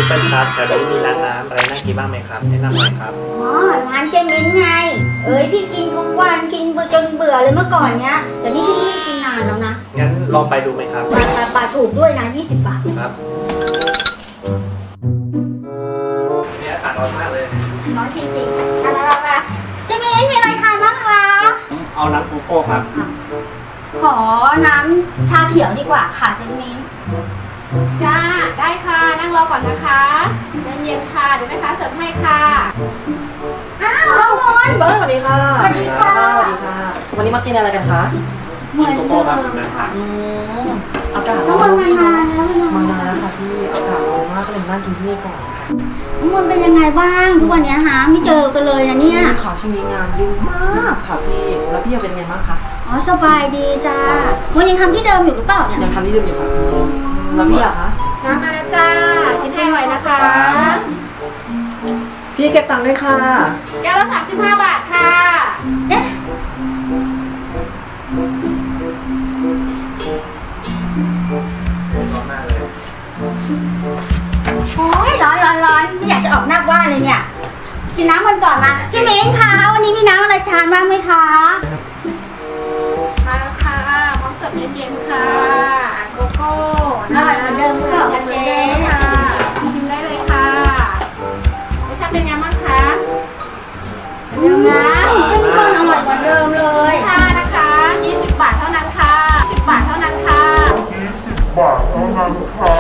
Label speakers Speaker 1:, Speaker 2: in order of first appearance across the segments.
Speaker 1: เปิ้ลครับแถวนี้มีร้านน้ำอะไรน่ากินบ้างไหมครับแนะนำหน่อยครับ
Speaker 2: อ๋อร้านเจมิ้นไงพี่กินทุกวันกินจนเบื่อเลยเมื่อก่อนเนี้ยแต่นี่พี่ไม่กินนานแล้วนะ
Speaker 1: งั้นลองไปดูไหมครับ
Speaker 2: บาทถูกด้วยนะ20 บาท
Speaker 1: ครับเนี่ยอากาศร้อนมากเลย
Speaker 2: ร้อนจริงๆเจมิ้นมีอะไรทานบ้างคะ
Speaker 1: เอาน้ำโกโก้ครับ
Speaker 2: ขอน้ำชาเขียวดีกว่าค่ะเจมิ้น
Speaker 3: จ้าได้ค่ะนั่งรอก่อนนะคะเย็นๆค่ะเดี๋ยวแม่ค้าเสิร์ฟให้ค่ะ
Speaker 2: อ้าวน้องมน
Speaker 4: เปิ้ลสวัสดีค่ะ
Speaker 2: สวัสดีค่ะ
Speaker 4: สวัสดีค่ะวันนี้มากินอะไรกันคะ
Speaker 2: เหมือนเดิม
Speaker 1: ค่ะ
Speaker 4: อากาศ
Speaker 2: น้องมนมานานแล้ว
Speaker 4: มานานแล้วค่ะพี่อากาศร้อนมากก็เลยนั่งกินที่นี่ก่อนค่ะ
Speaker 2: น้องมนเป็นยังไงบ้างทุกวันนี้หาไม่เจอกันเลยนะเนี่ย
Speaker 4: ค่ะช่วงนี้งานยุ่งมากค่ะพี่แล้วพี่เป็นไงบ้างคะ
Speaker 2: อ๋อสบายดีจ้ามนยังทำที่เดิมอยู่หรือเปล่าเนี่ย
Speaker 4: ยังทำที่เดิมอยู่ค่ะพี่แล้วพี่ล่ะคะ
Speaker 3: น้ำมาแล้วจ้ากินให้อร่อยนะคะ
Speaker 4: พี่เก็บตังค์ด้วยค่ะ
Speaker 3: แก้วละ35 บาทค่ะ
Speaker 2: เอ๊ะ
Speaker 1: ร้อนมากเลย
Speaker 2: โอ้ยร้อนไม่อยากจะออกนอกบ้านเลยเนี่ยกินน้ำมันก่อนนะพี่เม้งคะวันนี้มีน้ำอะไรทานบ้างไหมคะ
Speaker 3: มาแล้วค่ะพร้อมเสิร์ฟเย็นๆค่ะโกโก้
Speaker 2: อร่อยเหมือนเดิมค่ะเจ๊
Speaker 3: ค่ะชิมได้เลยค่ะรสชาติเป็นไงบ้างคะ
Speaker 2: เดิมนะเข้มข้นอร่อยเหมือนเดิมเลย
Speaker 3: ค่ะนะคะ20 บาทเท่านั้นค่ะ10 บาทเท่านั้นค่ะ
Speaker 5: 20 บาทเท่านั้นค่ะ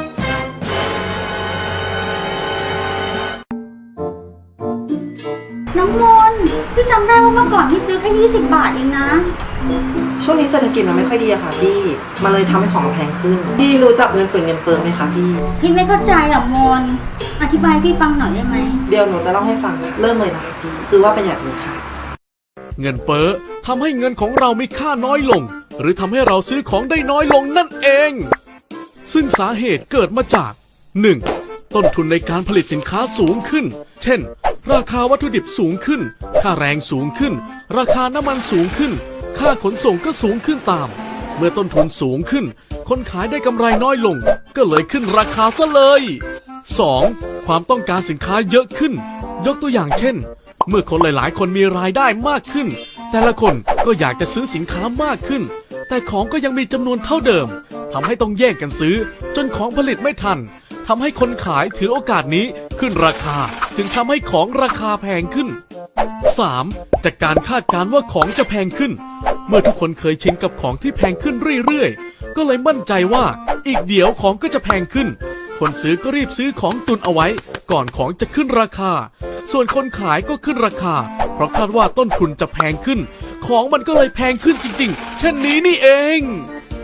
Speaker 2: น้องมนพี่จำได้ว่าเมื่อก่อนพี่ซื้อแค่20 บาทเองนะ
Speaker 4: ช่วงนี้เศรษฐกิจมันไม่ค่อยดีอะค่ะพี่มันเลยทำให้ของแพงขึ้นพี่รู้จักเงินฝืนเงินเฟ้อไหมคะพี่
Speaker 2: ไม่เข้าใจอ่ะมนอธิบายพี่ฟังหน่อยได้ไหม
Speaker 4: เดี๋ยวหนูจะเล่าให้ฟังเริ่มเลยนะคะพี่คือว่าเป็นแบบนี้ค่ะ
Speaker 6: เงินเฟ้อทำให้เงินของเรามีค่าน้อยลงหรือทำให้เราซื้อของได้น้อยลงนั่นเองซึ่งสาเหตุเกิดมาจาก 1. ต้นทุนในการผลิตสินค้าสูงขึ้นเช่นราคาวัตถุดิบสูงขึ้นค่าแรงสูงขึ้นราคาน้ำมันสูงขึ้นค่าขนส่งก็สูงขึ้นตามเมื่อต้นทุนสูงขึ้นคนขายได้กำไรน้อยลงก็เลยขึ้นราคาซะเลย 2. ความต้องการสินค้าเยอะขึ้นยกตัวอย่างเช่นเมื่อคนหลายๆคนมีรายได้มากขึ้นแต่ละคนก็อยากจะซื้อสินค้ามากขึ้นแต่ของก็ยังมีจำนวนเท่าเดิมทำให้ต้องแย่งกันซื้อจนของผลิตไม่ทันทำให้คนขายถือโอกาสนี้ขึ้นราคาจึงทำให้ของราคาแพงขึ้น 3. จากการคาดการณ์ว่าของจะแพงขึ้นเมื่อทุกคนเคยชินกับของที่แพงขึ้นเรื่อยๆก็เลยมั่นใจว่าอีกเดี๋ยวของก็จะแพงขึ้นคนซื้อก็รีบซื้อของตุนเอาไว้ก่อนของจะขึ้นราคาส่วนคนขายก็ขึ้นราคาเพราะคาดว่าต้นทุนจะแพงขึ้นของมันก็เลยแพงขึ้นจริงๆเช่นนี้นี่เอง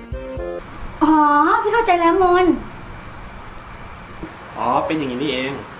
Speaker 2: อ๋อพี่เข้าใจแล้วมน
Speaker 1: อ๋อเป็นอย่างนี้นี่เอง